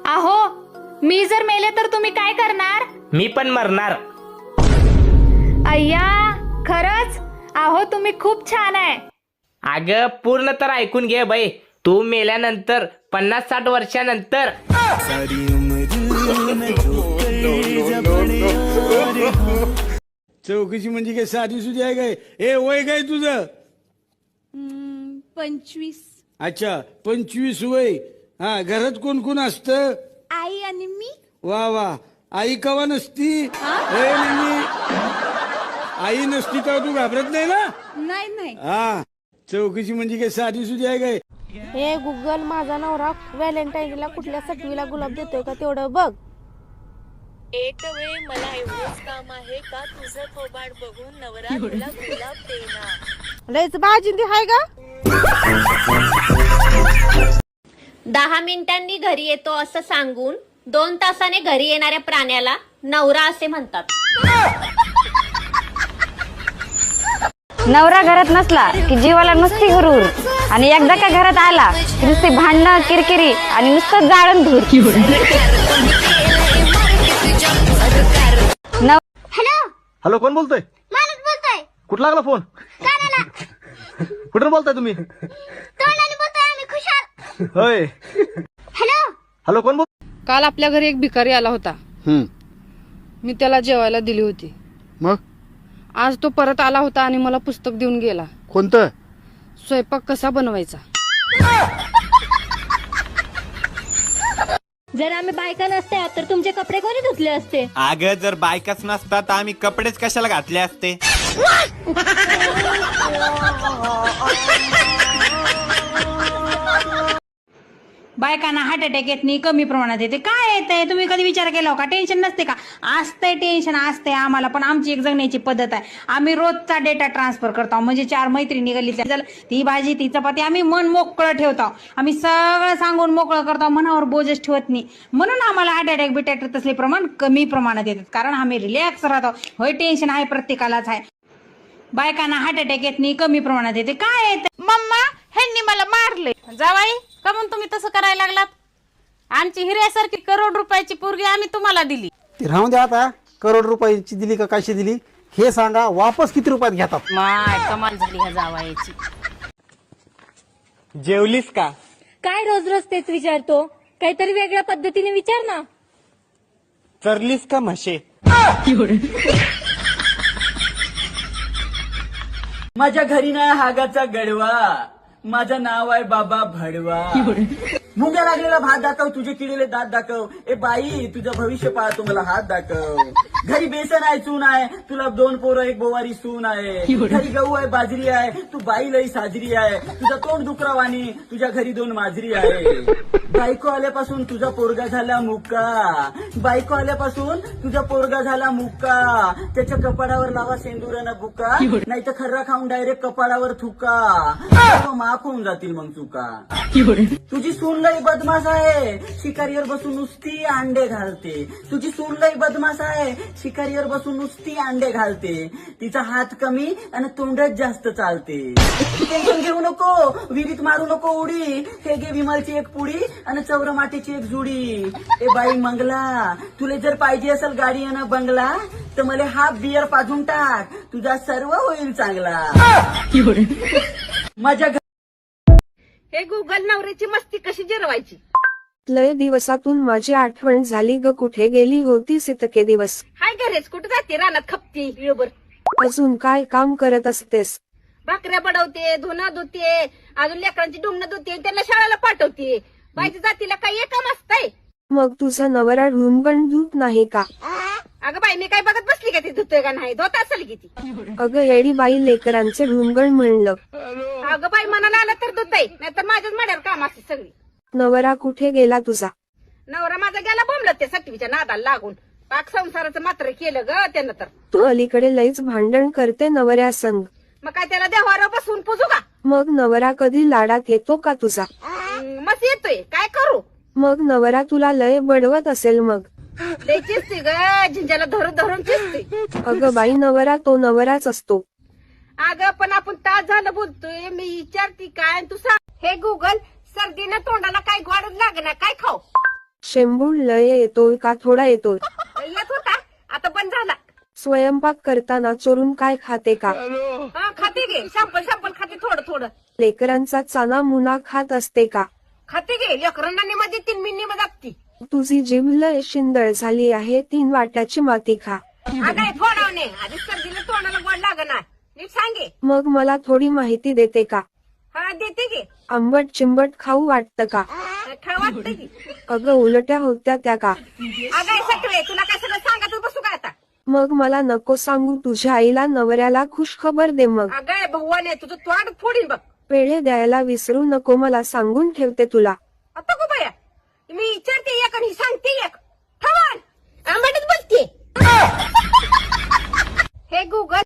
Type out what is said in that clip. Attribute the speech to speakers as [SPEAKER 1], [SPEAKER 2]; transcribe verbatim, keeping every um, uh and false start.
[SPEAKER 1] अहो मी जर मेले तर तुम्ही काय करणार?
[SPEAKER 2] मी पण मरणार.
[SPEAKER 1] अय्या खरंच? अहो तुम्ही खूप छान आहे.
[SPEAKER 2] अगं पूर्ण तर ऐकून घे बाई. तू मेल्यानंतर पन्नास साठ वर्षानंतर
[SPEAKER 3] चौकशी म्हणजे काय साधी सुधी आहे काय? ए वय काय तुझं?
[SPEAKER 4] पंचवीस.
[SPEAKER 3] अच्छा पंचवीस वय. हा घरात कोण कोण असतं?
[SPEAKER 4] आई आणि मी.
[SPEAKER 3] वा वा. आई कवा नसती? ए, नाही, नाही. आई नसती तेव्हा तू घाबरत नाही ना?
[SPEAKER 4] नाही नाही.
[SPEAKER 3] हा चौकशी म्हणजे काय साधी सुधी आहे काय?
[SPEAKER 5] हे गुगल माझा नवरा व्हॅलेंटाईनला कुठल्या सटवीला गुलाब देतोय का तेवढं बघ.
[SPEAKER 6] एक वेळ मला एवढंच काम आहे का तुझं थोबाड बघून नवरा तुला गुलाब देणार.
[SPEAKER 5] लयच बाजिंदी हाय का?
[SPEAKER 7] दहा मिनिटांनी घरी येतो असं सांगून दोन तासाने घरी येणाऱ्या प्राण्याला नवरा असे म्हणतात.
[SPEAKER 8] नवरा घरात नसला की जीवाला नुसती गुरूर आणि एकदा का घरात आला की नुसती भांडणं किरकिरी आणि नुसतं जाळण धूर.
[SPEAKER 9] हॅलो
[SPEAKER 10] हॅलो कोण बोलतोय?
[SPEAKER 9] मालक बोलतोय.
[SPEAKER 10] कुठं लागला फोन? कुठून बोलताय तुम्ही?
[SPEAKER 9] तोंडाने बोलतोय आम्ही खुशाल.
[SPEAKER 10] होय.
[SPEAKER 9] हॅलो
[SPEAKER 10] हॅलो कोण बोल?
[SPEAKER 5] काल आपल्या घरी एक भिकारी आला होता. मी त्याला जेवायला दिली होती.
[SPEAKER 10] मग
[SPEAKER 5] आज तो परत आला होता आणि मला पुस्तक देऊन गेला.
[SPEAKER 10] कोणतं?
[SPEAKER 5] स्वयंपाक कसा बनवायचा.
[SPEAKER 7] जर आम्ही बायका नसत्या तर तुमचे कपडे कोणी धुतले असते?
[SPEAKER 11] अगं जर बायकाच नसतात तर आम्ही कपडेच कशाला घातले असते.
[SPEAKER 12] बायकांना हार्ट अटॅक येत नाही, कमी प्रमाणात येते. काय येतंय तुम्ही कधी विचार केला का? टेन्शन नसते का? असतंय टेन्शन असतंय आम्हाला, पण आमची एक जगण्याची पद्धत आहे. आम्ही रोजचा डेटा ट्रान्सफर करतो. म्हणजे चार मैत्रिणी गल्लीतल्या ती भाजी ती चपाती आम्ही मन मोकळं ठेवतो. आम्ही सगळं सांगून मोकळं करतो, मनावर बोजच ठेवत नाही. म्हणून आम्हाला हार्ट अटॅक बिटॅक तसले प्रमाण कमी प्रमाणात येतात, कारण आम्ही रिलॅक्स राहतो. होय टेन्शन आहे प्रत्येकालाच आहे. बायकांना हार्ट अटॅक येत नाही, कमी प्रमाणात येते. काय येते?
[SPEAKER 5] मम्मा ह्यांनी मला मारले. जावाई का म्हणून तुम्ही तसं करायला लागलात? आमची हिऱ्यासारखी करोड रुपयाची पोरगी आम्ही तुम्हाला दिली.
[SPEAKER 10] ती राहून द्या आता. करोड रुपयाची दिली का कशी दिली हे सांगा. वापस किती रुपयात घेतात?
[SPEAKER 5] माय कमाल झाली ह्या जावाईची.
[SPEAKER 11] जेवलीस का?
[SPEAKER 7] काय रोज रोज तेच विचारतो? काहीतरी वेगळ्या पद्धतीने विचार ना.
[SPEAKER 11] चरलीस का म्हशे?
[SPEAKER 2] माझ्या घरी ना हागाचा गडवा. माझं नाव आहे बाबा भडवा. मुंग्या लागलेला भात दाखव, तुझे किडलेले दात दाखव. ए बाई तुझं भविष्य पाहतो मला हात दाखव. घरी बेसन आहे चून आहे, तुला दोन पोरं एक बोवारी सून आहे. घरी गहू आहे बाजरी आहे, तू बाई लई साजरी आहे. तुझं तोंड डुकरावानी, तुझ्या घरी दोन माजरी आहे. बायको आल्यापासून तुझा पोरगा झाला मुक्का. बायको आल्यापासून तुझा पोरगा झाला मुक्का. त्याच्या कपाडावर लावा सेंदुरानं बुका, नाही तर खर्रा खाऊन डायरेक्ट कपाडावर थुका. माफ होऊन जातील मग चुका. तुझी सून लई बदमाश आहे, शिकारीवर बसून नुसती अंडे घालते. तुझी सून लई बदमाश आहे, शिकारीवर बसून नुसती अंडे घालते. तिचा हात कमी आणि तोंडच जास्त चालते. टेन्शन घेऊ नको, विहिरीत मारू नको उडी. हे घे विमलची एक पुडी आणि चौर मातीची एक जुडी. ए बाई मंगला, तुला जर पाहिजे असेल गाडी आणि बंगला तर मला हाफ बियर पाजून टाक, तुझा सर्व होईल चांगला. माझ्या
[SPEAKER 5] हे गुगल नवऱ्याची मस्ती कशी जिरवायची.
[SPEAKER 8] लय दिवसातून माझी आठवण झाली ग. कुठे गेली होतीस इतके दिवस?
[SPEAKER 5] हाय घरेच कुठे जाते? रानात खपते वेळभर.
[SPEAKER 8] अजून काय काम करत असतेस?
[SPEAKER 5] भाकऱ्या बडवते, धुणं धुते, अजून लेकरांची डुंगणं धुते, त्यांना शाळेला पाठवते. बाईच्या जातीला काही एक काम असतंय?
[SPEAKER 8] मग तुझा नवरा ढुंगण धुत नाही का?
[SPEAKER 5] अगं बाई मी काय बघत बसली का ती धुतोय का नाही? धुत असेल की ती.
[SPEAKER 8] अगं येडी बाई, लेकरांचे ढुंगण म्हणलं.
[SPEAKER 5] अगं बाई मनाला आलं तर धुतय, नाहीतर माझ्याच मड्यावर काम असते सगळी.
[SPEAKER 8] नवरा कुठे गेला तुझा?
[SPEAKER 5] नवरा माझा गेला बोंबलत ते सटवीच्या नादाला लागून. पाक संसाराचं मात्र केलं ग त्यानं तर.
[SPEAKER 8] तू अलीकडे लईच भांडण करते नवऱ्या संग.
[SPEAKER 5] मग काय त्याला देवावर बसून पुजू का?
[SPEAKER 8] मग नवरा कधी लाडात येतो का तुझा?
[SPEAKER 5] मस्त येतोय, काय करू?
[SPEAKER 8] मग नवरा तुला लय बडवत असेल मग.
[SPEAKER 5] लय चिसते ग, झिंजाला धरून धरून चिसते.
[SPEAKER 8] अगं बाई, नवरा तो नवराच असतो.
[SPEAKER 5] अगं पण आपण तास झालं बोलतोय, मी विचारते काय तू सांग. हे गुगल, सर्दीनं तोंडाला काय गोड लागणार, काय खाऊ?
[SPEAKER 8] शेंबूड लय येतोय का थोडा येतोय?
[SPEAKER 12] येत होता आता बंद झाला.
[SPEAKER 8] स्वयंपाक करताना चोरून काय खाते का?
[SPEAKER 12] हा खाते गे सॅम्पल सॅम्पल खाते थोडं थोडं
[SPEAKER 8] लेकरांचा चाना मुना खात असते का?
[SPEAKER 12] खाते गे लेकरांना मध्ये तीन मिनिट मध्ये लागती.
[SPEAKER 8] तुझी जीभ लय शिंदळ झाली आहे, तीन वाट्याची माती खा.
[SPEAKER 12] अगं फोडावणे आधी सर्दीला तोंडाला गोड लागणार नीट सांगे.
[SPEAKER 8] मग मला थोडी माहिती देते का?
[SPEAKER 12] हा देते गे.
[SPEAKER 8] आंबट चिंबट खाऊ वाटतं का?
[SPEAKER 12] खा वाटतं की.
[SPEAKER 8] अगं उलट्या होत्या त्या का?
[SPEAKER 12] अगं सटवे तुला काय सगळं सांगत बसू का आता?
[SPEAKER 8] मग मला नको सांगू, तुझ्या आईला नवऱ्याला खुश खबर दे. मग
[SPEAKER 12] अगं भगवान तुझं तोंड फोडीन बघ.
[SPEAKER 8] पेढे द्यायला विसरू नको, मला सांगून ठेवते तुला.
[SPEAKER 12] आता गो बाया मी विचारते एक आणि सांगते एक. ठवान आंबाडीच बोलते. हे गुगल